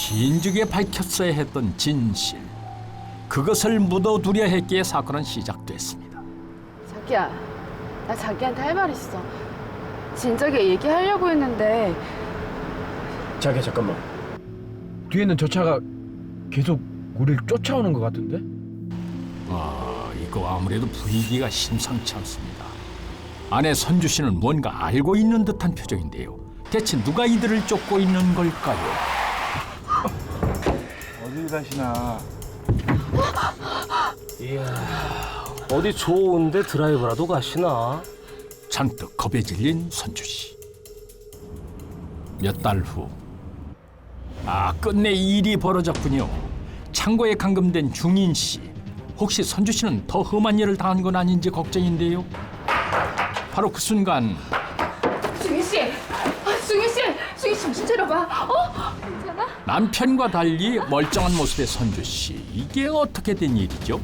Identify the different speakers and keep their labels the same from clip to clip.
Speaker 1: 긴죽에 밝혔어야 했던 진실. 그것을 묻어두려 했기에 사건은 시작됐습니다.
Speaker 2: 자기야, 나 자기한테 할 말 있어. 진작에 얘기하려고 했는데.
Speaker 3: 자기야 잠깐만. 뒤에 있는 저 차가 계속 우리를 쫓아오는 것 같은데?
Speaker 1: 이거 아무래도 분위기가 심상치 않습니다. 아내 선주 씨는 뭔가 알고 있는 듯한 표정인데요. 대체 누가 이들을 쫓고 있는 걸까요?
Speaker 4: 어딜 가시나.
Speaker 5: 이야, 어디 좋은데 드라이브라도 가시나?
Speaker 1: 잔뜩 겁에 질린 선주 씨. 몇 달 후, 끝내 일이 벌어졌군요. 창고에 감금된 중인 씨. 혹시 선주 씨는 더 험한 일을 당한 건 아닌지 걱정인데요. 바로 그 순간
Speaker 2: 중희 씨! 중희 씨! 중희 씨 정신 차려봐. 괜찮아?
Speaker 1: 남편과 달리 멀쩡한 모습의 선주 씨. 이게 어떻게 된 일이죠?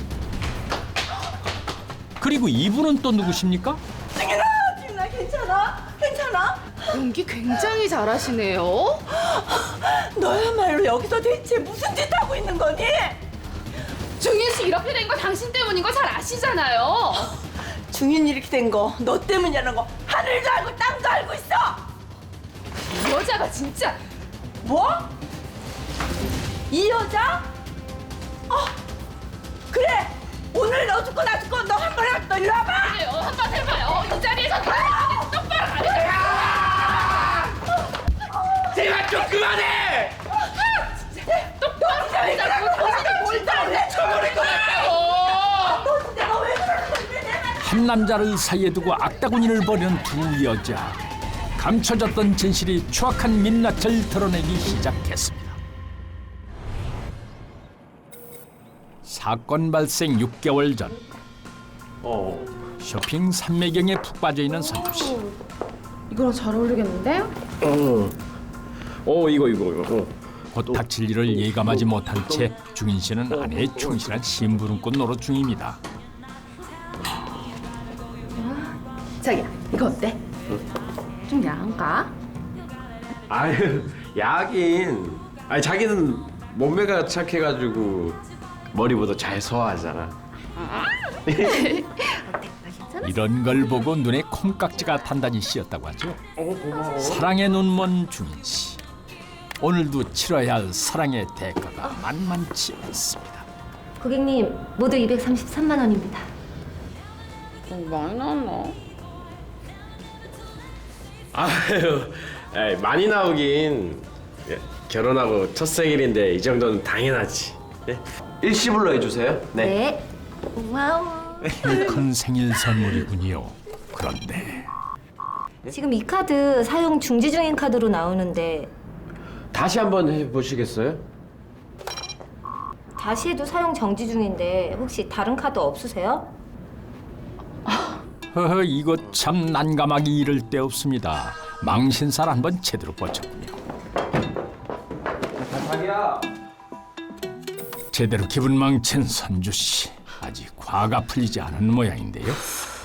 Speaker 1: 그리고 이분은 또 누구십니까?
Speaker 6: 지은아 괜찮아? 괜찮아?
Speaker 2: 연기 굉장히 잘하시네요.
Speaker 6: 너야말로 여기서 대체 무슨 짓 하고 있는 거니?
Speaker 2: 중희 씨 이렇게 된 거 당신 때문인 거 잘 아시잖아요.
Speaker 6: 중인 이렇게 된 거 너 때문이라는 거 하늘도 알고 땅도 알고 있어.
Speaker 2: 이 여자가 진짜.
Speaker 6: 뭐? 이 여자? 그래 오늘 너 죽고 나 죽고 너 한 번 해봐. 너 이리 와봐.
Speaker 2: 그래요, 한번 해봐요. 이 자리에서 똑바로 가세요.
Speaker 3: 제발 좀 그만해!
Speaker 2: 똑바로 가자고. 당신이 뭘 잘해?
Speaker 3: 쳐버릴 것 같다고!
Speaker 6: 너 진짜 너 왜 그러는 건데 내 말.
Speaker 1: 한 남자를 사이에 두고 악다구니를 벌이는 두 여자. 감춰졌던 진실이 추악한 민낯을 드러내기 시작했습니다. 사건 발생 6개월 전. 쇼핑 삼매경에 푹 빠져있는 선주 씨.
Speaker 2: 이거랑 잘 어울리겠는데?
Speaker 3: 이거.
Speaker 1: 곧 닥칠 일을 예감하지 못한 채 중인 씨는 아내의 충실한 심부름꾼 노릇 중입니다.
Speaker 2: 자기야, 이거 어때? 좀 야한가?
Speaker 7: 아유, 야긴. 아니 자기는 몸매가 착해가지고 머리보다 잘 소화하잖아.
Speaker 1: 이런 걸 보고 눈에 콩깍지가 단단히 씌었다고 하죠. 사랑의 눈먼 중인 씨. 오늘도 치러야 할 사랑의 대가가 만만치 않습니다.
Speaker 8: 고객님, 모두 233만 원입니다.
Speaker 2: 많이 나왔나?
Speaker 7: 아유, 에이, 많이 나오긴. 예, 결혼하고 첫 생일인데 이 정도는 당연하지. 예?
Speaker 3: 일시불로 해주세요.
Speaker 8: 네. 와우.
Speaker 1: 큰 생일 선물이군요. 그런데
Speaker 8: 지금 이 카드 사용 중지 중인 카드로 나오는데
Speaker 7: 다시 한번 해보시겠어요?
Speaker 8: 다시 해도 사용 정지 중인데 혹시 다른 카드 없으세요?
Speaker 1: 허허, 이거 참 난감하기 이를 데 없습니다. 망신살 한번 제대로 뻗쳤군요. 제대로 기분 망친 선주 씨. 아직 화가 풀리지 않은 모양인데요.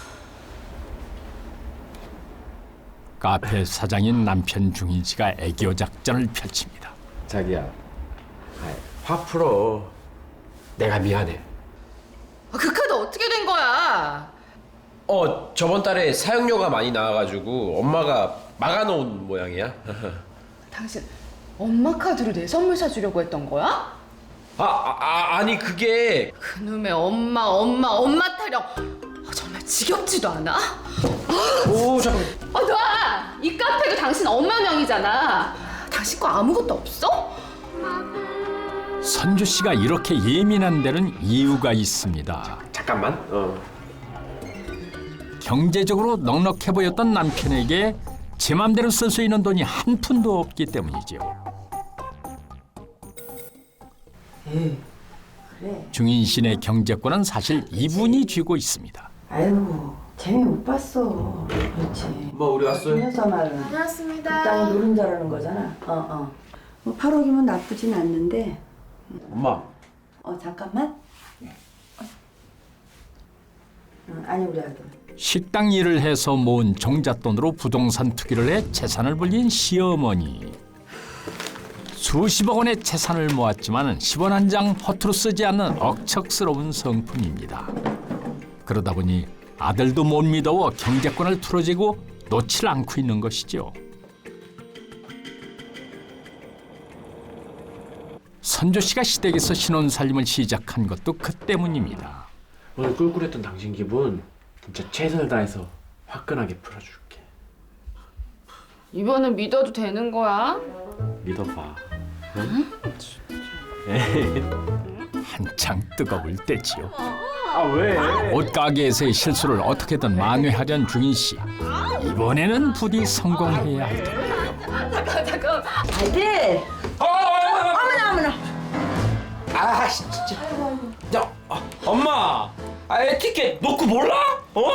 Speaker 1: 카페 사장인 남편 중인 씨가 애교 작전을 펼칩니다.
Speaker 7: 자기야, 화 풀어. 내가 미안해.
Speaker 2: 그 카드 어떻게 된 거야?
Speaker 7: 저번 달에 사용료가 많이 나와가지고 엄마가 막아놓은 모양이야.
Speaker 2: 당신 엄마 카드로 내 선물 사주려고 했던 거야?
Speaker 7: 아니 그게
Speaker 2: 그놈의 엄마 타령. 정말 지겹지도 않아?
Speaker 7: 오 잠깐.
Speaker 2: 놔! 이 카페도 당신 엄마 명이잖아. 당신 거 아무것도 없어?
Speaker 1: 선주 씨가 이렇게 예민한 데는 이유가 있습니다.
Speaker 7: 잠깐만.
Speaker 1: 경제적으로 넉넉해 보였던 남편에게 제 맘대로 쓸 수 있는 돈이 한 푼도 없기 때문이죠. 중인 씨의 경제권은 사실 이분이 쥐고 있습니다.
Speaker 9: 아이고 재미 못 봤어. 그렇지.
Speaker 3: 뭐 우리 왔어요?
Speaker 9: 이 여자 말은
Speaker 2: 고맙습니다.
Speaker 9: 땅 노른자라는 거잖아. 뭐 8억이면 나쁘진 않는데.
Speaker 7: 엄마.
Speaker 9: 잠깐만. 아니 우리 아들.
Speaker 1: 식당 일을 해서 모은 종잣돈으로 부동산 투기를 해 재산을 불린 시어머니. 수십억 원의 재산을 모았지만 10원 한 장 허투루 쓰지 않는 억척스러운 성품입니다. 그러다 보니 아들도 못 믿어워 경제권을 틀어지고 놓질 않고 있는 것이죠. 선조 씨가 시댁에서 신혼살림을 시작한 것도 그 때문입니다.
Speaker 3: 오늘 꿀꿀했던 당신 기분 진짜 최선을 다해서 화끈하게 풀어줄게.
Speaker 2: 이번엔 믿어도 되는 거야?
Speaker 3: 믿어봐.
Speaker 1: 한창 뜨거울 때지요.
Speaker 3: 아 왜?
Speaker 1: 옷가게에서의 실수를 어떻게든 만회하려는 중인 씨. 이번에는 부디 성공해야 할 텐데요.
Speaker 2: 잠깐.
Speaker 6: 아이들. 어머나 어머나.
Speaker 5: 아 진짜. 야 엄마. 아 에티켓 놓고 몰라? 어?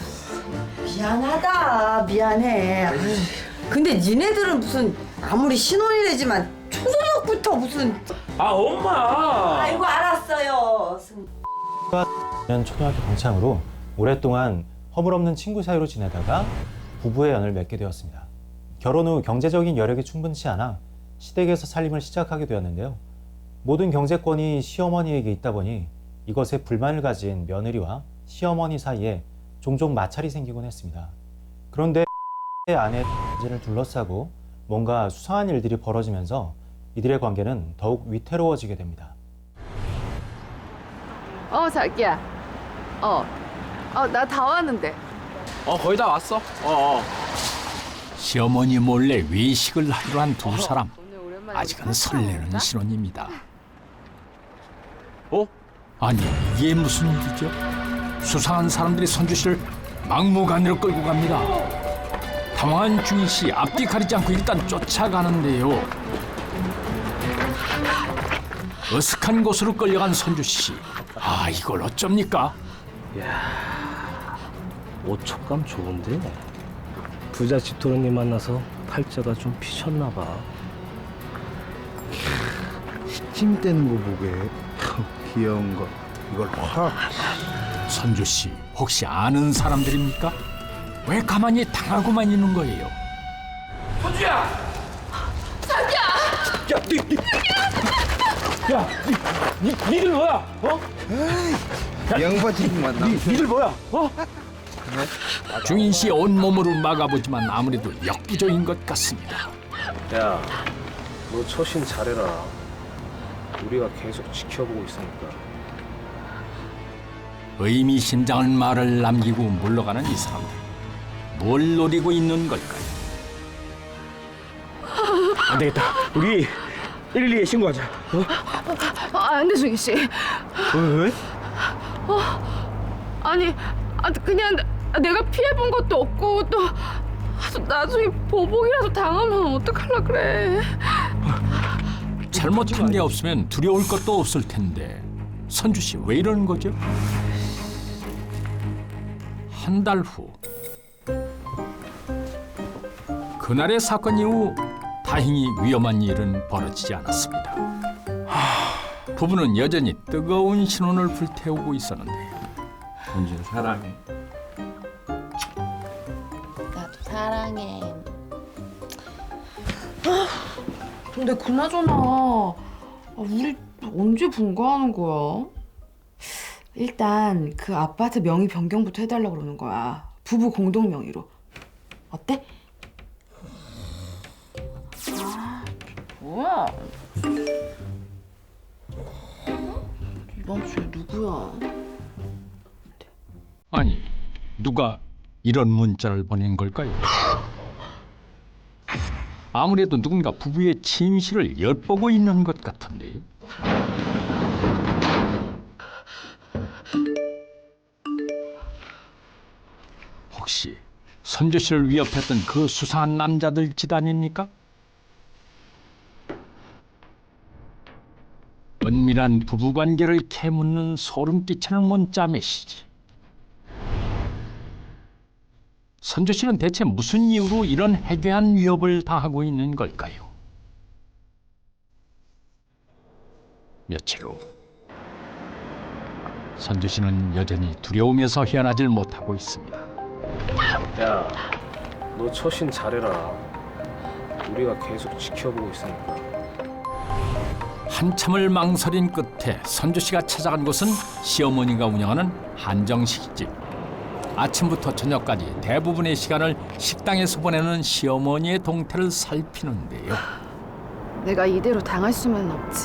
Speaker 6: 미안하다 미안해. 아유, 근데 니네들은 무슨 아무리 신혼이래지만 초저녁부터 무슨.
Speaker 5: 아 엄마.
Speaker 6: 아이고 알았어요.
Speaker 4: 초등학교 동창으로 오랫동안 허물없는 친구 사이로 지내다가 부부의 연을 맺게 되었습니다. 결혼 후 경제적인 여력이 충분치 않아 시댁에서 살림을 시작하게 되었는데요. 모든 경제권이 시어머니에게 있다 보니 이것에 불만을 가진 며느리와 시어머니 사이에 종종 마찰이 생기곤 했습니다. 그런데 아내의 를 둘러싸고 뭔가 수상한 일들이 벌어지면서 이들의 관계는 더욱 위태로워지게 됩니다.
Speaker 2: 자기야. 나 다 왔는데.
Speaker 3: 거의 다 왔어.
Speaker 1: 시어머니 몰래 외식을 하기로 한 두 사람.
Speaker 2: 오늘 오랜만에
Speaker 1: 아직은 설레는 신혼입니다.
Speaker 3: 어?
Speaker 1: 아니 이게 무슨 일이죠? 수상한 사람들이 선주 씨를 막무가내로 끌고 갑니다. 당황한 중인 씨 앞뒤 가리지 않고 일단 쫓아가는데요. 어색한 곳으로 끌려간 선주 씨. 아 이걸 어쩝니까?
Speaker 5: 옷촉감 좋은데 부잣집 도련님 만나서 팔자가 좀 피셨나 봐.
Speaker 10: 찜 떼는 거 보게 귀여운 거 이걸 확.
Speaker 1: 선주 씨 혹시 아는 사람들입니까? 왜 가만히 당하고만 있는 거예요?
Speaker 5: 니들 뭐야? 어?
Speaker 10: 양파 지금 만나.
Speaker 5: 니들 뭐야? 어?
Speaker 1: 중인 씨 온몸으로 막아보지만 아무래도 역부족인 것 같습니다.
Speaker 5: 야, 너 처신 잘해라. 우리가 계속 지켜보고 있으니까.
Speaker 1: 의미심장한 말을 남기고 물러가는 이 사람들. 뭘 노리고 있는 걸까요?
Speaker 3: 안 되겠다. 우리 112에 신고하자.
Speaker 2: 안 돼, 중희 씨.
Speaker 3: 왜?
Speaker 2: 아니, 그냥 내가 피해본 것도 없고 또 나중에 보복이라도 당하면 어떡하려 그래.
Speaker 1: 잘못한 게 없으면 두려울 것도 없을 텐데 선주 씨 왜 이러는 거죠? 한 달 후 그날의 사건 이후 다행히 위험한 일은 벌어지지 않았습니다. 부부는 여전히 뜨거운 신혼을 불태우고 있었는데요.
Speaker 3: 은준 사랑해.
Speaker 2: 나도 사랑해.
Speaker 11: 근데 그나저나 우리 언제 분가하는 거야? 일단 그 아파트 명의 변경부터 해달라고 그러는 거야. 부부 공동 명의로. 어때?
Speaker 2: 뭐야? 이번 주에 누구야?
Speaker 1: 아니 누가 이런 문자를 보낸 걸까요? 아무래도 누군가 부부의 침실을 엿보고 있는 것 같은데요. 혹시 선조 씨를 위협했던 그 수상한 남자들 집단입니까? 은밀한 부부관계를 캐묻는 소름 끼치는 문자 메시지. 선조 씨는 대체 무슨 이유로 이런 해괴한 위협을 당하고 있는 걸까요? 며칠 후 선조 씨는 여전히 두려움에서 헤어나질 못하고 있습니다.
Speaker 5: 야, 너 처신 잘해라. 우리가 계속 지켜보고 있으니까.
Speaker 1: 한참을 망설인 끝에 선주 씨가 찾아간 곳은 시어머니가 운영하는 한정식집. 아침부터 저녁까지 대부분의 시간을 식당에서 보내는 시어머니의 동태를 살피는데요.
Speaker 2: 내가 이대로 당할 수만 없지.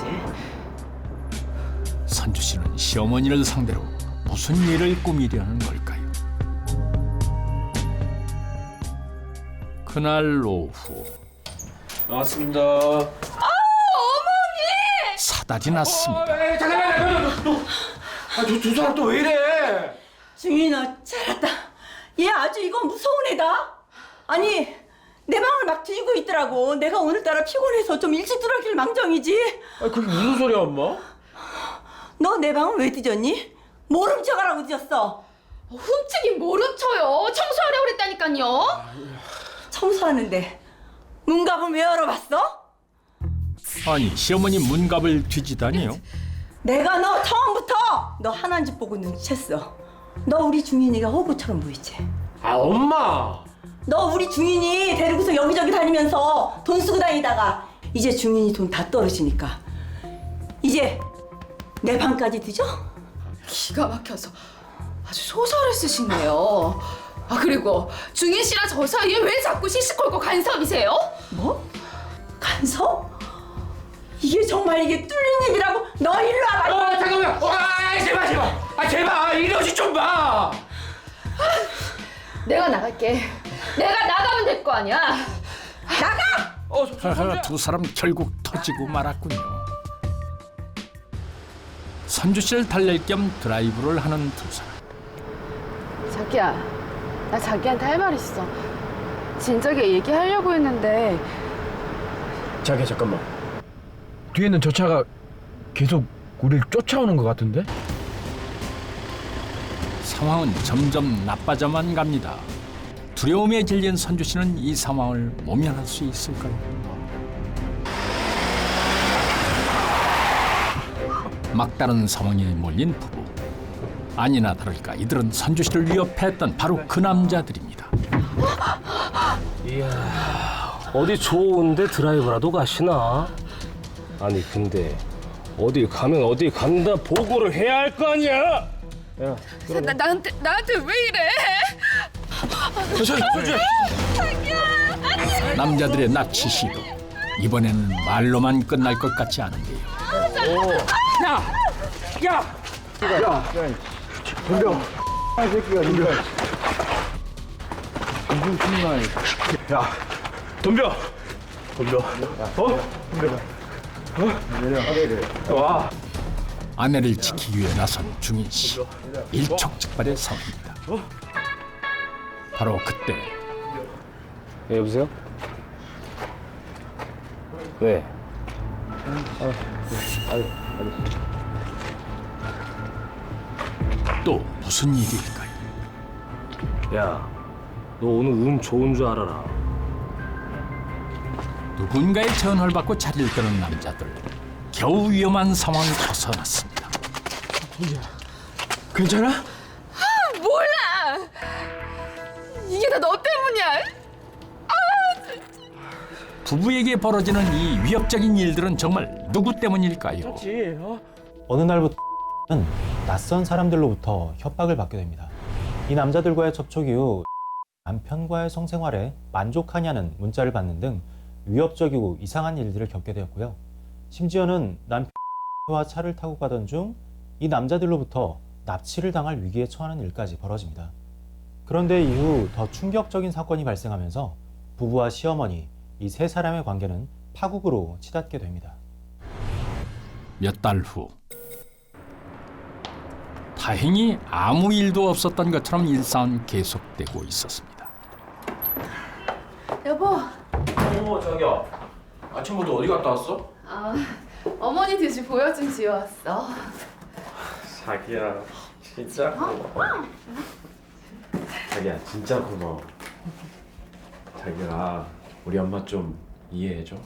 Speaker 1: 선주 씨는 시어머니를 상대로 무슨 일을 꾸미려는 걸까요? 그날 오후
Speaker 7: 나왔습니다.
Speaker 1: 사달이 났습니다.
Speaker 3: 두 사람 또 왜 이래?
Speaker 6: 중인아 잘했다. 얘 아주 이거 무서운 애다. 아니 내 방을 막 뒤지고 있더라고. 내가 오늘따라 피곤해서 좀 일찍 들어가길 망정이지.
Speaker 3: 그게 무슨 소리야, 엄마?
Speaker 6: 너 내 방을 왜 뒤졌니? 뭘 훔쳐가라고 뒤졌어?
Speaker 2: 훔치긴 뭘 훔쳐요. 청소하려고 그랬다니까요.
Speaker 6: 청소하는데 문갑을 왜 열어봤어?
Speaker 1: 아니 시어머니 문갑을 뒤지다니요?
Speaker 6: 내가 너 처음부터 너 하나인 집 보고 눈치챘어. 너 우리 중인이가 호구처럼 보이지?
Speaker 7: 아 엄마.
Speaker 6: 너 우리 중인이 데리고서 여기저기 다니면서 돈 쓰고 다니다가 이제 중인이 돈 다 떨어지니까 이제 내 방까지 뒤져?
Speaker 2: 기가 막혀서 아주 소설을 쓰시네요. 아 그리고 중인 씨랑 저 사이에 왜 자꾸 시시콜콜 간섭이세요?
Speaker 6: 뭐? 간섭? 이게 정말 이게 뚫린 입이라고? 너 일로 와봐.
Speaker 3: 잠깐만. 제발. 제발 이러지 좀 봐.
Speaker 2: 내가 나갈게. 내가 나가면 될 거 아니야.
Speaker 1: 하하, 두 사람 결국 터지고 말았군요. 선주 씨를 달랠 겸 드라이브를 하는 두 사람.
Speaker 2: 자기야, 나 자기한테 할 말 있어. 진작에 얘기하려고 했는데
Speaker 3: 자기야 잠깐만. 뒤에는 저 차가 계속 우리를 쫓아오는 것 같은데?
Speaker 1: 상황은 점점 나빠져만 갑니다. 두려움에 질린 선주 씨는 이 상황을 모면할 수 있을까요? 막다른 상황에 몰린 부부. 아니나 다를까 이들은 선주 씨를 위협했던 바로 그 남자들입니다.
Speaker 5: 이야, 어디 좋은데 드라이브라도 가시나? 아니 근데 어딜 가면 어디 간다 보고를 해야 할 거 아니야?
Speaker 2: 나한테 왜 이래?
Speaker 1: 남자들의 납치 시도. 이번에는 말로만 끝날 것 같지 않은데요.
Speaker 3: 덤벼. 이 새끼가 덤벼. 야, 덤벼. 덤벼. 와.
Speaker 1: 아내를 지키기 위해 나선 중인 씨. 일촉즉발의 상황입니다. 바로 그때
Speaker 5: 예, 여보세요? 왜?
Speaker 1: 또 무슨 일일까요?
Speaker 5: 야, 너 오늘 운 좋은 줄 알아라.
Speaker 1: 누군가의 전화를 받고 자리를 뜨는 남자들. 겨우 위험한 상황을 벗어났습니다.
Speaker 3: 괜찮아?
Speaker 2: 몰라. 이게 다 너 때문이야.
Speaker 1: 부부에게 벌어지는 이 위협적인 일들은 정말 누구 때문일까요?
Speaker 4: 어느 날부터는 낯선 사람들로부터 협박을 받게 됩니다. 이 남자들과의 접촉 이후 남편과의 성생활에 만족하냐는 문자를 받는 등 위협적이고 이상한 일들을 겪게 되었고요. 심지어는 남편과 차를 타고 가던 중 이 남자들로부터 납치를 당할 위기에 처하는 일까지 벌어집니다. 그런데 이후 더 충격적인 사건이 발생하면서 부부와 시어머니, 이 세 사람의 관계는 파국으로 치닫게 됩니다.
Speaker 1: 몇 달 후. 다행히 아무 일도 없었던 것처럼 일상은 계속되고 있었습니다.
Speaker 2: 여보.
Speaker 3: 자기야. 아침부터 어디 갔다 왔어?
Speaker 2: 어머니 드시 보여 좀 지어왔어.
Speaker 7: 자기야 진짜 고마워. 자기야 진짜 고마워. 자기야 우리 엄마 좀 이해해줘.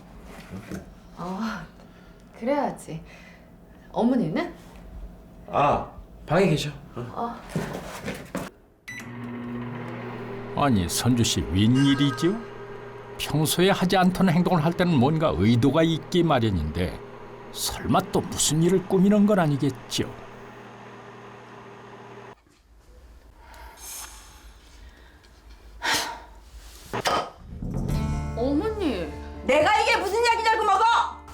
Speaker 2: 그래야지. 어머니는?
Speaker 3: 방에 계셔.
Speaker 1: 아니 선주 씨 웬일이죠? 평소에 하지 않던 행동을 할 때는 뭔가 의도가 있기 마련인데 설마 또 무슨 일을 꾸미는 건 아니겠죠?
Speaker 2: 어머니.
Speaker 6: 내가 이게 무슨 약이냐고 먹어!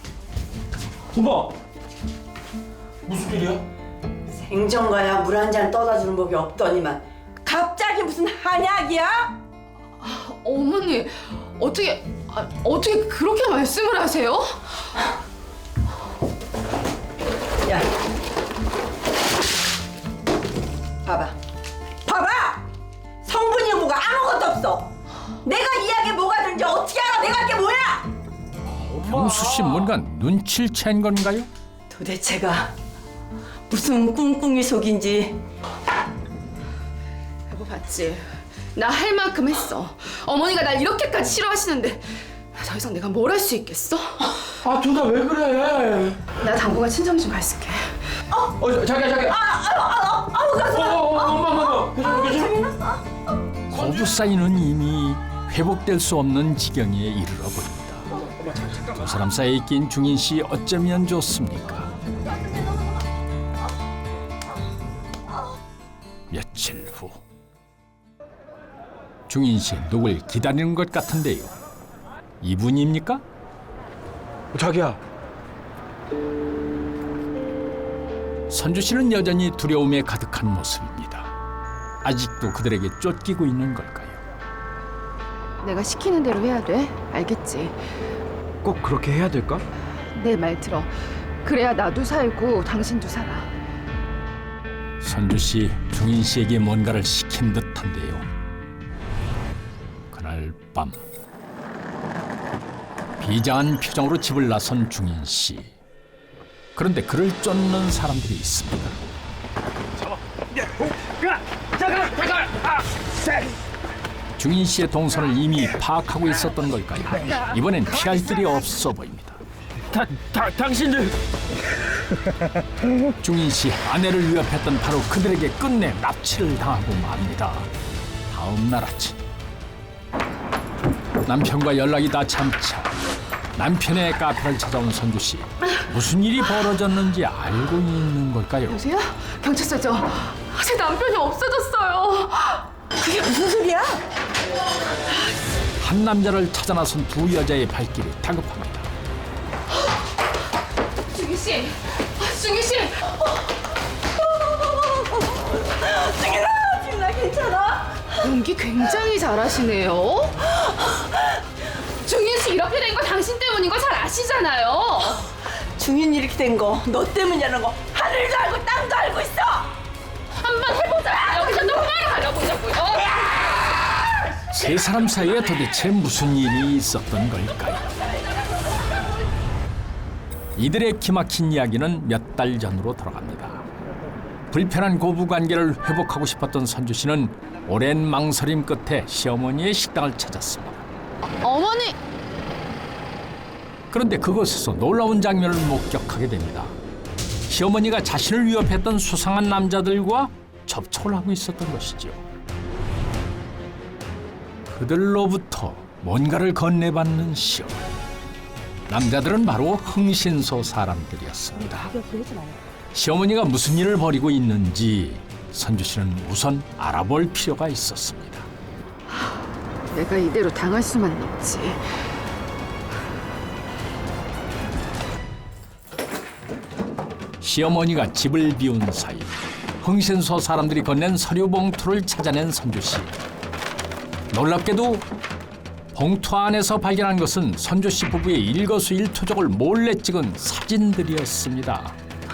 Speaker 3: 엄마 무슨 일이야?
Speaker 6: 생전가야 물 한 잔 떠다 주는 법이 없더니만 갑자기 무슨 한약이야?
Speaker 2: 어머니, 어떻게 그렇게 말씀을 하세요?
Speaker 6: 야, 봐봐, 성분이 뭐가 아무것도 없어. 내가 이 약에 뭐가 들는지 어떻게 알아? 내가 이게 뭐야?
Speaker 1: 경수 씨 뭔가 눈치를 챈 건가요?
Speaker 6: 도대체가 무슨 꿍꿍이 속인지.
Speaker 2: 여보 봤지? 나 할 만큼 했어. 어머니가 날 이렇게까지 싫어하시는데 더 이상 내가 뭘 할 수 있겠어?
Speaker 3: 아 둘 다 왜 그래?
Speaker 2: 나 당분간 친정 좀 가 있을게.
Speaker 3: 자기야. 엄마. 괜찮아.
Speaker 1: 거부 사이는 이미 회복될 수 없는 지경에 이르러 보입니다. 두 사람 사이에 낀 중인 씨 어쩌면 좋습니까? 며칠 후 중인 씨 누굴 기다리는 것 같은데요. 이분입니까?
Speaker 3: 자기야.
Speaker 1: 선주 씨는 여전히 두려움에 가득한 모습입니다. 아직도 그들에게 쫓기고 있는 걸까요?
Speaker 2: 내가 시키는 대로 해야 돼. 알겠지?
Speaker 3: 꼭 그렇게 해야 될까?
Speaker 2: 내 말 들어. 그래야 나도 살고 당신도 살아.
Speaker 1: 선주 씨 중인 씨에게 뭔가를 시킨 듯한데요. 그날 밤 비장한 표정으로 집을 나선 중인 씨. 그런데 그를 쫓는 사람들이 있습니다. 중인 씨의 동선을 이미 파악하고 있었던 걸까요? 이번엔 피할 길이 없어 보입니다.
Speaker 3: 당신들.
Speaker 1: 중인 씨 아내를 위협했던 바로 그들에게 끝내 납치를 당하고 맙니다. 다음 날 아침 남편과 연락이 다 참자 남편의 카페를 찾아온 선주 씨. 무슨 일이 벌어졌는지 알고 있는 걸까요?
Speaker 2: 여보세요? 경찰서죠? 제 남편이 없어졌어요.
Speaker 6: 그게 무슨 소리야?
Speaker 1: 한 남자를 찾아 나선 두 여자의 발길이 다급합니다.
Speaker 2: 중희 씨, 중희 씨.
Speaker 6: 지금 괜찮아?
Speaker 2: 연기 굉장히 잘하시네요. 중희 씨 이렇게 된 거 당신 때문인 거 잘 아시잖아요.
Speaker 6: 중인 이렇게 된 거 너 때문이라는 거 하늘도 알고 땅도 알고 있어.
Speaker 2: 한번 해보자. 여기서 또 그만을 가려보자고요.
Speaker 1: 세 사람 사이에 도대체 무슨 일이 있었던 걸까요? 이들의 기막힌 이야기는 몇 달 전으로 돌아갑니다. 불편한 고부관계를 회복하고 싶었던 선주 씨는 오랜 망설임 끝에 시어머니의 식당을 찾았습니다.
Speaker 2: 어머니.
Speaker 1: 그런데 그곳에서 놀라운 장면을 목격하게 됩니다. 시어머니가 자신을 위협했던 수상한 남자들과 접촉을 하고 있었던 것이죠. 그들로부터 뭔가를 건네받는 시어머니. 남자들은 바로 흥신소 사람들이었습니다. 시어머니가 무슨 일을 벌이고 있는지 선주 씨는 우선 알아볼 필요가 있었습니다.
Speaker 2: 내가 이대로 당할 수만 있지.
Speaker 1: 시어머니가 집을 비운 사이 흥신소 사람들이 건넨 서류 봉투를 찾아낸 선주 씨. 놀랍게도 봉투 안에서 발견한 것은 선주 씨 부부의 일거수일투족을 몰래 찍은 사진들이었습니다.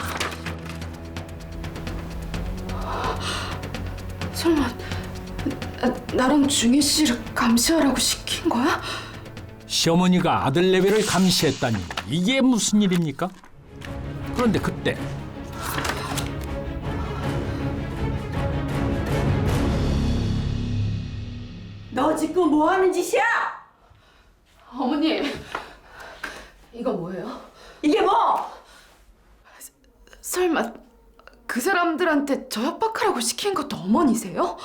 Speaker 2: 설마 나랑 중희 씨를 감시하라고 시킨 거야?
Speaker 1: 시어머니가 아들 내외를 감시했다니 이게 무슨 일입니까? 그런데 그때
Speaker 6: 너 지금 뭐 하는 짓이야?
Speaker 2: 어머니, 이거 뭐예요?
Speaker 6: 이게 뭐?
Speaker 2: 설마 그 사람들한테 저 협박하라고 시킨 것도 어머니세요?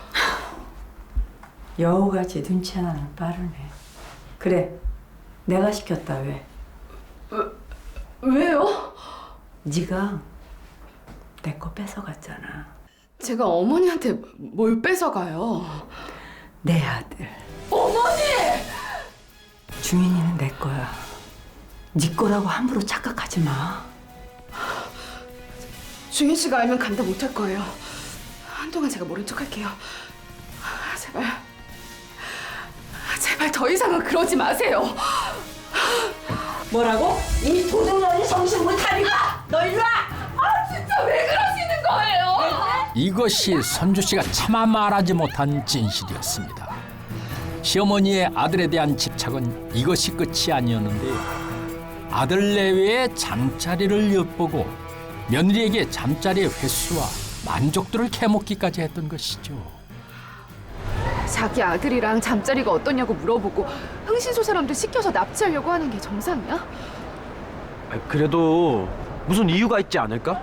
Speaker 9: 여우같이 눈치 하나는 빠르네. 그래, 내가 시켰다 왜?
Speaker 2: 왜요?
Speaker 9: 네가 내 거 뺏어갔잖아.
Speaker 2: 제가 어머니한테 뭘 뺏어가요?
Speaker 9: 내 아들.
Speaker 2: 어머니!
Speaker 9: 중인이는 내 거야. 네 거라고 함부로 착각하지 마.
Speaker 2: 중인 씨가 알면 감당 못할 거예요. 한동안 제가 모른 척할게요. 제발 더 이상은 그러지 마세요.
Speaker 6: 뭐라고? 이 도둑년이 정신 못 차리가? 너 일로 와!
Speaker 2: 진짜 왜 그러시는 거예요?
Speaker 1: 이것이 선주 씨가 차마 말하지 못한 진실이었습니다. 시어머니의 아들에 대한 집착은 이것이 끝이 아니었는데요. 아들 내외의 잠자리를 엿보고 며느리에게 잠자리의 횟수와 만족도를 캐먹기까지 했던 것이죠.
Speaker 2: 자기 아들이랑 잠자리가 어떠냐고 물어보고 흥신소 사람들 시켜서 납치하려고 하는 게 정상이야?
Speaker 3: 그래도 무슨 이유가 있지 않을까?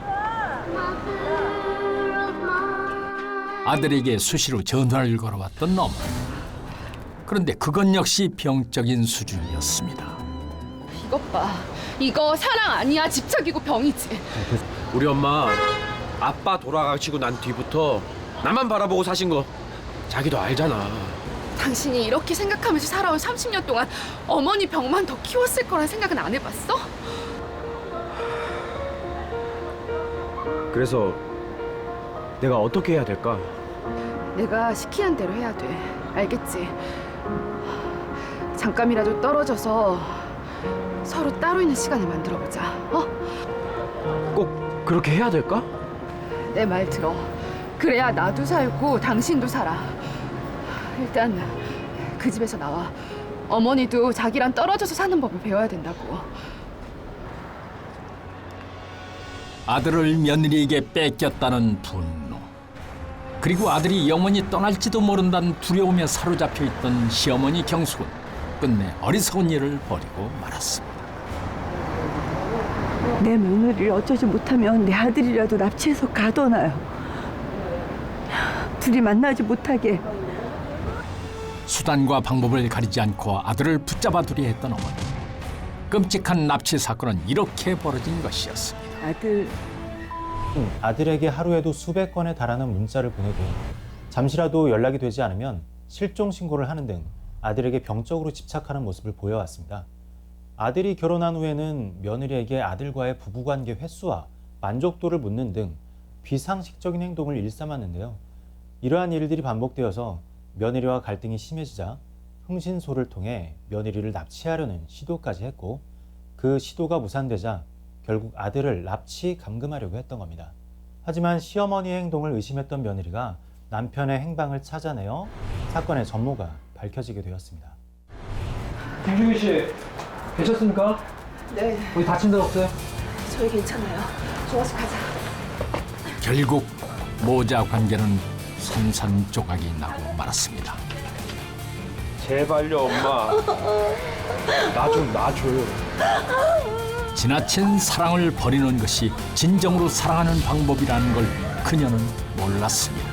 Speaker 1: 아들에게 수시로 전화를 걸어왔던 어머니. 그런데 그건 역시 병적인 수준이었습니다.
Speaker 2: 이것 봐. 이거 사랑 아니야. 집착이고 병이지.
Speaker 3: 우리 엄마 아빠 돌아가시고 난 뒤부터 나만 바라보고 사신 거 자기도 알잖아.
Speaker 2: 당신이 이렇게 생각하면서 살아온 30년 동안 어머니 병만 더 키웠을 거란 생각은 안 해봤어?
Speaker 3: 그래서 내가 어떻게 해야 될까?
Speaker 2: 내가 시키는 대로 해야 돼. 알겠지? 잠깐이라도 떨어져서 서로 따로 있는 시간을 만들어보자. 어?
Speaker 3: 꼭 그렇게 해야 될까?
Speaker 2: 내 말 들어. 그래야 나도 살고 당신도 살아. 일단 그 집에서 나와. 어머니도 자기랑 떨어져서 사는 법을 배워야 된다고.
Speaker 1: 아들을 며느리에게 뺏겼다는 분노, 그리고 아들이 영원히 떠날지도 모른다는 두려움에 사로잡혀 있던 시어머니 경숙은 끝내 어리석은 일을 벌이고 말았습니다.
Speaker 6: 내 며느리를 어쩌지 못하면 내 아들이라도 납치해서 가둬놔요. 둘이 만나지 못하게.
Speaker 1: 수단과 방법을 가리지 않고 아들을 붙잡아두려 했던 어머니. 끔찍한 납치 사건은 이렇게 벌어진 것이었습니다.
Speaker 4: 아들에게 하루에도 수백 건에 달하는 문자를 보내고 잠시라도 연락이 되지 않으면 실종 신고를 하는 등 아들에게 병적으로 집착하는 모습을 보여왔습니다. 아들이 결혼한 후에는 며느리에게 아들과의 부부관계 횟수와 만족도를 묻는 등 비상식적인 행동을 일삼았는데요. 이러한 일들이 반복되어서 며느리와 갈등이 심해지자 흥신소를 통해 며느리를 납치하려는 시도까지 했고, 그 시도가 무산되자 결국 아들을 납치 감금하려고 했던 겁니다. 하지만 시어머니의 행동을 의심했던 며느리가 남편의 행방을 찾아내어 사건의 전모가 밝혀지게 되었습니다.
Speaker 3: 김중희 씨, 괜찮습니까?
Speaker 2: 네,
Speaker 3: 어디 다친 데 없어요?
Speaker 2: 저희 괜찮아요. 좋아서 가자.
Speaker 1: 결국 모자 관계는 산산조각이 나고 말았습니다.
Speaker 3: 제발요, 엄마. 나 좀 놔줘요.
Speaker 1: 지나친 사랑을 버리는 것이 진정으로 사랑하는 방법이라는 걸 그녀는 몰랐습니다.